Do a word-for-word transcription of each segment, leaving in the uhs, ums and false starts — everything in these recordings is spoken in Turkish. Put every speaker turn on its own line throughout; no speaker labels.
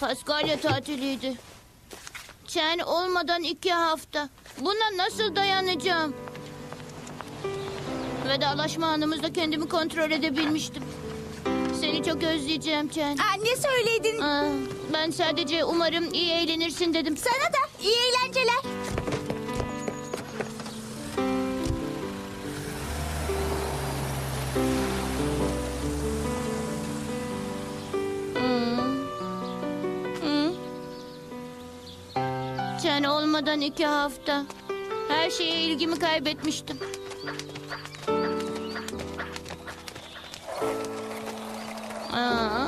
Paskalya tatiliydi. Çen olmadan iki hafta. Buna nasıl dayanacağım? Vedalaşma anımızda kendimi kontrol edebilmiştim. Seni çok özleyeceğim Çen.
Aa, ne söyledin?
Aa, ben sadece umarım iyi eğlenirsin dedim.
Sana da iyi eğlenceler.
Çen olmadan iki hafta. Her şeye ilgimi kaybetmiştim. Aa,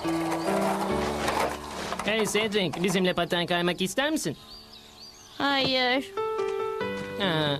Hey Cedric, bizimle paten kaymak ister misin?
hayır.
Ha.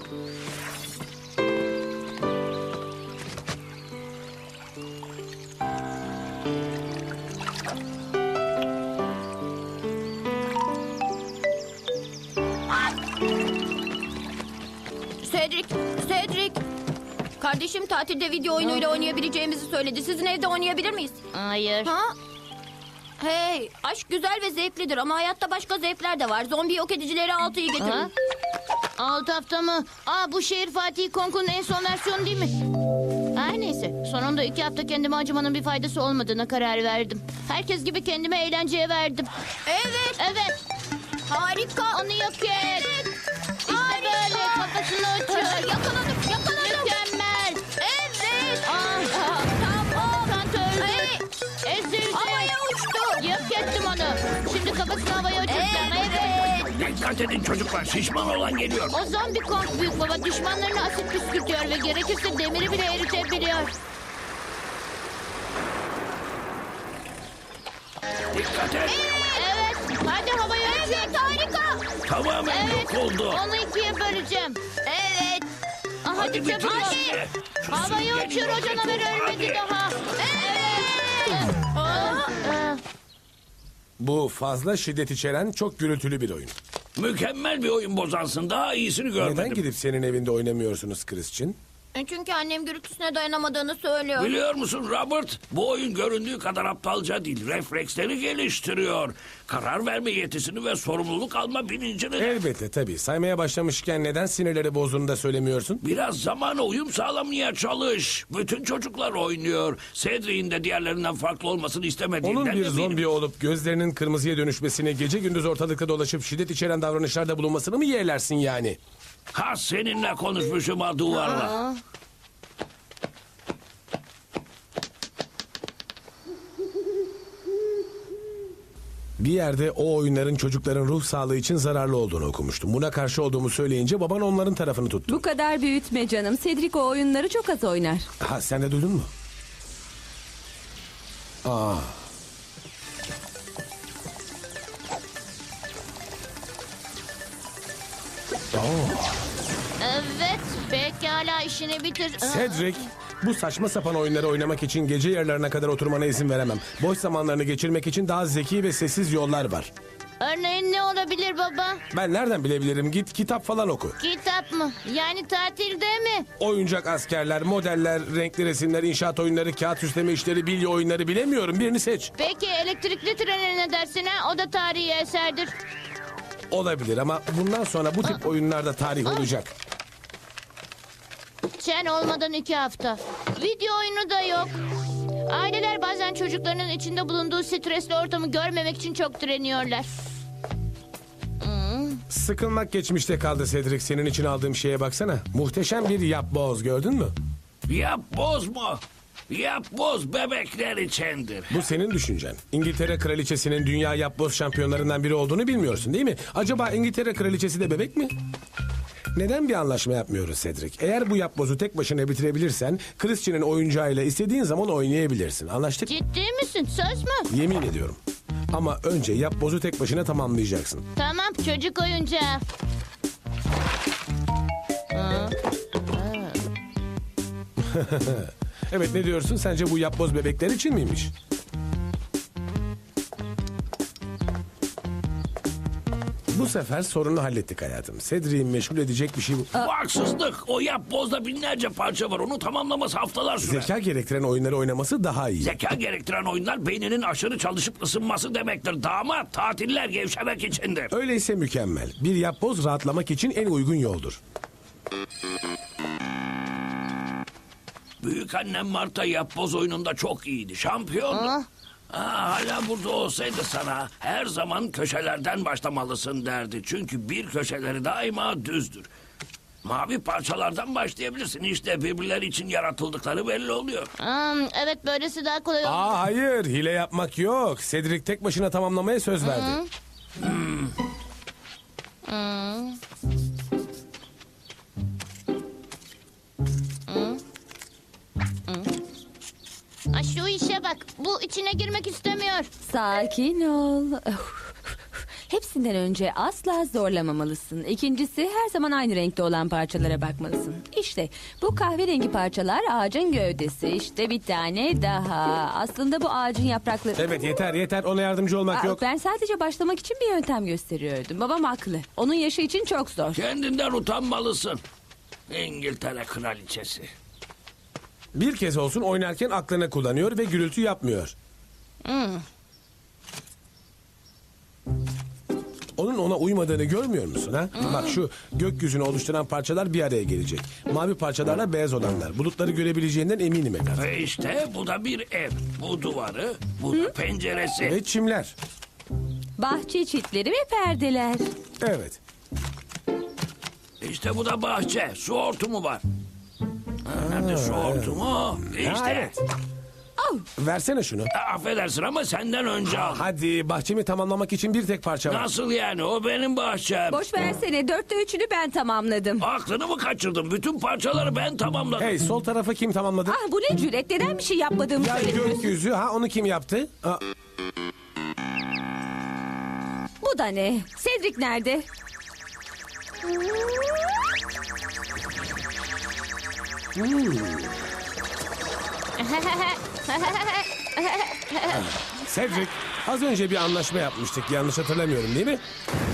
Cedric, Cedric. Kardeşim tatilde video oyunuyla oynayabileceğimizi söyledi. Sizin evde oynayabilir miyiz?
Hayır.
Ha? Hey, aşk güzel ve zevklidir ama hayatta başka zevkler de var. Zombi yok edicileri altıyı getirin.
Ha? Alt hafta mı? Aa, bu şehir Fatih Konku'nun en son versiyonu değil mi? Her neyse. Sonunda iki hafta kendime acımanın bir faydası olmadığına karar verdim. Herkes gibi kendime eğlenceye verdim.
Evet,
Evet.
harika.
Onu yok et. İşte böyle kafasını uçur.
Yakaladım, yakaladım.
Mükemmel.
Evet.
Ah,
Tamam.
Kant öldü.
Hey,
Ezildi.
havaya uçtu.
Yok ettim onu. Şimdi kafasını havaya uçuracağım. Evet.
Evet.
Dikkat edin çocuklar, şişman olan geliyor.
O zombi Kong büyük baba düşmanlarına asit püskürtüyor ve gerekirse demiri bile eritebiliyor.
Dikkat et.
Evet. Hadi havaya uçur.
Evet, harika.
Tamamen
Evet.
yok oldu.
Onu ikiye böleceğim.
Evet.
Ah, hadi
Hadi
çabuk
bitir
ol.
işte. Şu
Havaya
süngeri
uçur,
yok
o canavar
edin.
ölmedi
Hadi.
daha. Evet. Ah, ah.
Bu fazla şiddet içeren çok gürültülü bir oyun.
Mükemmel bir oyun bozansın. Daha iyisini görmedim.
Neden gidip senin evinde oynamıyorsunuz Christian?
Çünkü annem gürültüsüne dayanamadığını söylüyor.
Biliyor musun Robert? Bu oyun göründüğü kadar aptalca değil. Refleksleri geliştiriyor. Karar verme yetisini ve sorumluluk alma bilincini de.
Elbette tabii. Saymaya başlamışken neden sinirleri bozduğunu da söylemiyorsun?
Biraz zamana uyum sağlamaya çalış. Bütün çocuklar oynuyor. Cedric'in de diğerlerinden farklı olmasını istemediğinden
Onun bir
eminim.
zombi olup gözlerinin kırmızıya dönüşmesini, gece gündüz ortalıkta dolaşıp şiddet içeren davranışlarda bulunmasını mı yeğlersin yani?
Ha seninle konuşmuşum ha duvarla.
Aa.
Bir yerde o oyunların çocukların ruh sağlığı için zararlı olduğunu okumuştum. Buna karşı olduğumu söyleyince baban onların tarafını tuttu.
Bu kadar büyütme canım. Cedric o oyunları çok az oynar.
Ha, sen de duydun mu? Aa.
Evet. Pekala işini bitir. Ah.
Cedric, bu saçma sapan oyunları oynamak için gece yarılarına kadar oturmana izin veremem. Boş zamanlarını geçirmek için daha zeki ve sessiz yollar var.
Örneğin ne olabilir baba?
Ben nereden bilebilirim? Git kitap falan oku.
Kitap mı? Yani tatilde mi?
Oyuncak askerler, modeller, renkli resimler, inşaat oyunları, kağıt üstleme işleri, bilye oyunları bilemiyorum. Birini seç.
Peki elektrikli trene ne dersin ha? O da tarihi eserdir.
Olabilir ama bundan sonra bu tip oyunlarda tarih olacak.
Çen olmadan iki hafta. Video oyunu da yok. Aileler bazen çocuklarının içinde bulunduğu stresli ortamı görmemek için çok direniyorlar.
Sıkılmak geçmişte kaldı Cedric. Senin için aldığım şeye baksana. Muhteşem bir yapboz, gördün mü?
Yap bozma. Yap boz bebekler içindir.
Bu senin düşüncen. İngiltere kraliçesinin dünya yapboz şampiyonlarından biri olduğunu bilmiyorsun değil mi? Acaba İngiltere kraliçesi de bebek mi? Neden bir anlaşma yapmıyoruz Cedric? Eğer bu yapbozu tek başına bitirebilirsen Christian'ın oyuncağıyla istediğin zaman oynayabilirsin. Anlaştık?
Ciddi misin? Söz mü?
Yemin ediyorum. Ama önce yapbozu tek başına tamamlayacaksın.
Tamam, çocuk oyuncağı. Aa,
Evet, ne diyorsun? Sence bu yapboz bebekler için miymiş? Bu sefer sorunu hallettik hayatım. Cedric'i meşgul edecek bir şey bu.
Bu haksızlık. O yapbozda binlerce parça var. Onu tamamlaması haftalar sürer.
Zeka gerektiren oyunları oynaması daha iyi.
Zeka gerektiren oyunlar beyninin aşırı çalışıp ısınması demektir. Damat, tatiller gevşemek içindir.
Öyleyse mükemmel. Bir yapboz rahatlamak için en uygun yoldur.
Büyük annem Marta yapboz oyununda çok iyiydi. Şampiyondu.
Ah.
Aa, hala burada olsaydı sana her zaman köşelerden başlamalısın derdi. Çünkü bir köşeleri daima düzdür. Mavi parçalardan başlayabilirsin. İşte birbirleri için yaratıldıkları belli oluyor.
Hmm, evet böylesi daha kolay olur.
Aa hayır, hile yapmak yok. Cedric tek başına tamamlamaya söz verdi.
Ha, şu işe bak. Bu içine girmek istemiyor.
Sakin ol. Hepsinden önce asla zorlamamalısın. İkincisi her zaman aynı renkte olan parçalara bakmalısın. İşte bu kahverengi parçalar ağacın gövdesi. İşte bir tane daha. Aslında bu ağacın yaprakları...
Evet yeter yeter, ona yardımcı olmak
Aa,
yok.
Ben sadece başlamak için bir yöntem gösteriyordum. Babam haklı. Onun yaşı için çok zor.
Kendinden utanmalısın. İngiltere kraliçesi.
Bir kez olsun oynarken aklını kullanıyor ve gürültü yapmıyor. Onun ona uymadığını görmüyor musun ha? Bak şu gökyüzünü oluşturan parçalar bir araya gelecek. Mavi parçalarla beyaz olanlar. Bulutları görebileceğinden eminim evlat.
Ve işte bu da bir ev. Bu duvarı, bu da penceresi.
Ve çimler.
Bahçe çitleri ve perdeler.
Evet.
İşte bu da bahçe. Su hortumu var. Ha, nerede su hortumu? İşte.
Ha, evet. Versene şunu.
Ha, affedersin ama senden önce al.
Hadi, bahçemi tamamlamak için bir tek parça var.
Nasıl yani? O benim bahçem.
Boş versene, dörtte üçünü ben tamamladım.
Aklını mı kaçırdın? Bütün parçaları ben tamamladım.
Hey, sol tarafı kim tamamladı?
Ah bu ne cüret, neden bir şey yapmadığımı
Ya
söylemiyorsun?
gökyüzü, ha onu kim yaptı? Aa,
Bu da ne? Cedric nerede?
Cedric, az önce bir anlaşma yapmıştık. Yanlış hatırlamıyorum değil mi?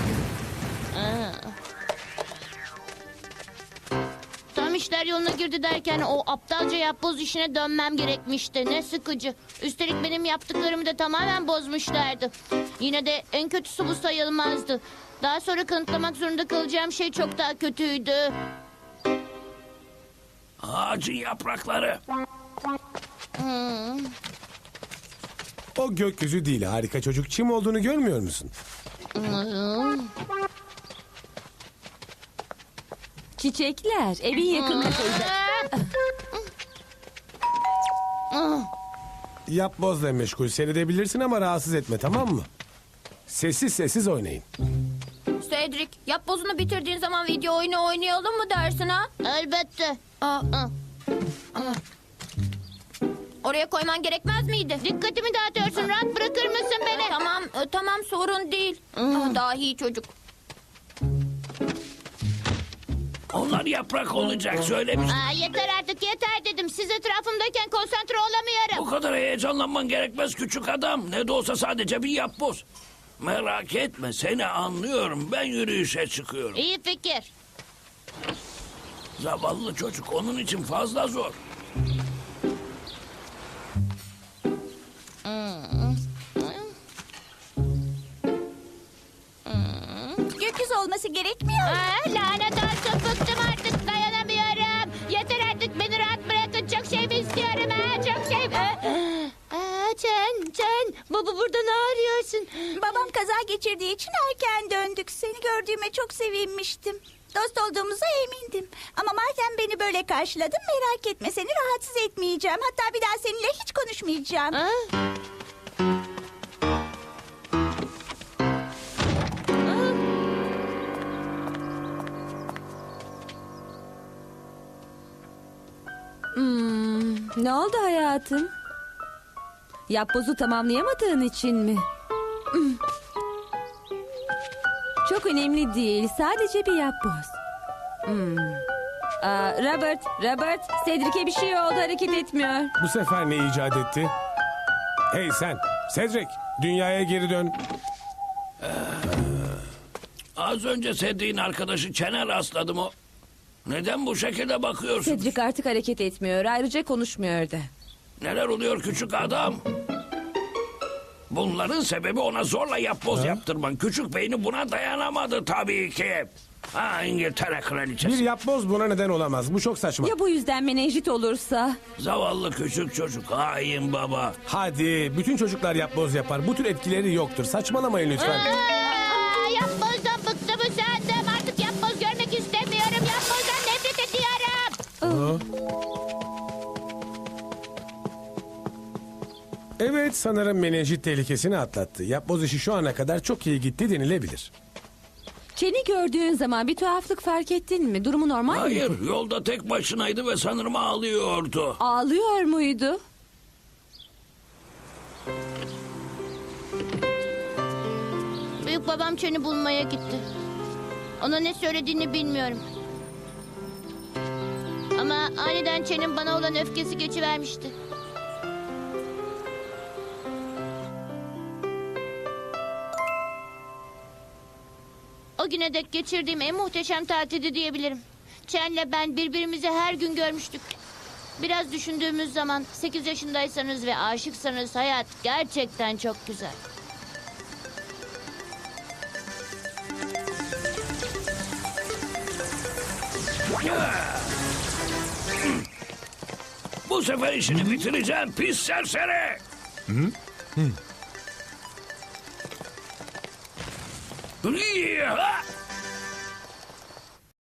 Tam işler yoluna girdi derken o aptalca yapboz işine dönmem gerekmişti. Ne sıkıcı. Üstelik benim yaptıklarımı da tamamen bozmuşlardı. Yine de en kötüsü bu sayılmazdı. Daha sonra kanıtlamak zorunda kalacağım şey çok daha kötüydü.
Ağacın yaprakları.
O gökyüzü değil, harika çocuk. Çim olduğunu görmüyor musun?
Çiçekler, evin yakınlarında.
Yapbozla meşgul seyredebilirsin ama rahatsız etme, tamam mı? Sessiz sessiz oynayın.
Cedric, yapbozunu bitirdiğin zaman video oyunu oynayalım mı dersin ha?
Elbette.
Aa,
Ah,
oraya koyman gerekmez miydi?
dikkatimi dağıtıyorsun. Rahat bırakır mısın beni?
Tamam, e, tamam sorun değil. Aa, dahi çocuk.
Onlar yaprak olacak söylemiştim.
Aa, yeter artık yeter dedim. Siz etrafımdayken konsantre
Bu
olamıyorum.
kadar heyecanlanman gerekmez küçük adam. Ne de olsa sadece bir yapboz. Merak etme, seni anlıyorum. Ben yürüyüşe çıkıyorum.
İyi fikir.
Zavallı çocuk, onun için fazla zor.
Gökyüzü olması gerekmiyor.
Aa, lanet olsun bıktım artık dayanamıyorum. Yeter artık beni rahat bırakın. Çok şey mi istiyorum ha? Çok şey mi? Aa, Can, Can. Baba burada ne arıyorsun?
Babam kaza geçirdiği için erken döndük. Seni gördüğüme çok sevinmiştim. Dost olduğumuza emindim. Ama madem beni böyle karşıladın merak etme seni rahatsız etmeyeceğim. Hatta bir daha seninle hiç konuşmayacağım.
Ha?
Ne oldu hayatım? Yapbozu tamamlayamadığın için mi? Hmm. Çok önemli değil. Sadece bir yapboz. Hmm. Aa, Robert, Robert, Cedric'e bir şey oldu, hareket etmiyor.
Bu sefer ne icat etti? Hey sen, Cedric, dünyaya geri dön.
Az önce Cedric'in arkadaşı Çene rastladım o. Neden bu şekilde bakıyorsun?
Cedric artık hareket etmiyor. Ayrıca konuşmuyor da.
Neler oluyor küçük adam? Bunların sebebi ona zorla yapboz yaptırman. Küçük beyni buna dayanamadı tabii ki. Ha, İngiltere kraliçesi.
Bir yapboz buna neden olamaz. Bu çok saçma.
Ya bu yüzden menenjit olursa?
Zavallı küçük çocuk. Hain baba.
Hadi bütün çocuklar yapboz yapar. Bu tür etkileri yoktur. Saçmalamayın lütfen.
Aa, yapbozdan bıktım usandım. Artık yapboz görmek istemiyorum. Yapbozdan nefret ediyorum.
Evet, sanırım menenjit tehlikesini atlattı. Yapboz işi şu ana kadar çok iyi gitti denilebilir.
Çeni gördüğün zaman bir tuhaflık fark ettin mi? Durumu normal mi?
Hayır, yolda tek başınaydı ve sanırım ağlıyordu.
Ağlıyor muydu?
Büyük babam Çen'i bulmaya gitti. Ona ne söylediğini bilmiyorum. Ama aniden Çen'in bana olan öfkesi geçivermişti. O güne dek geçirdiğim en muhteşem tatildi diyebilirim. Çen'le ben birbirimizi her gün görmüştük. Biraz düşündüğümüz zaman sekiz yaşındaysanız ve aşıksanız hayat gerçekten çok güzel.
Bu sefer işini bitireceğim pis serseri. Hı? Hı.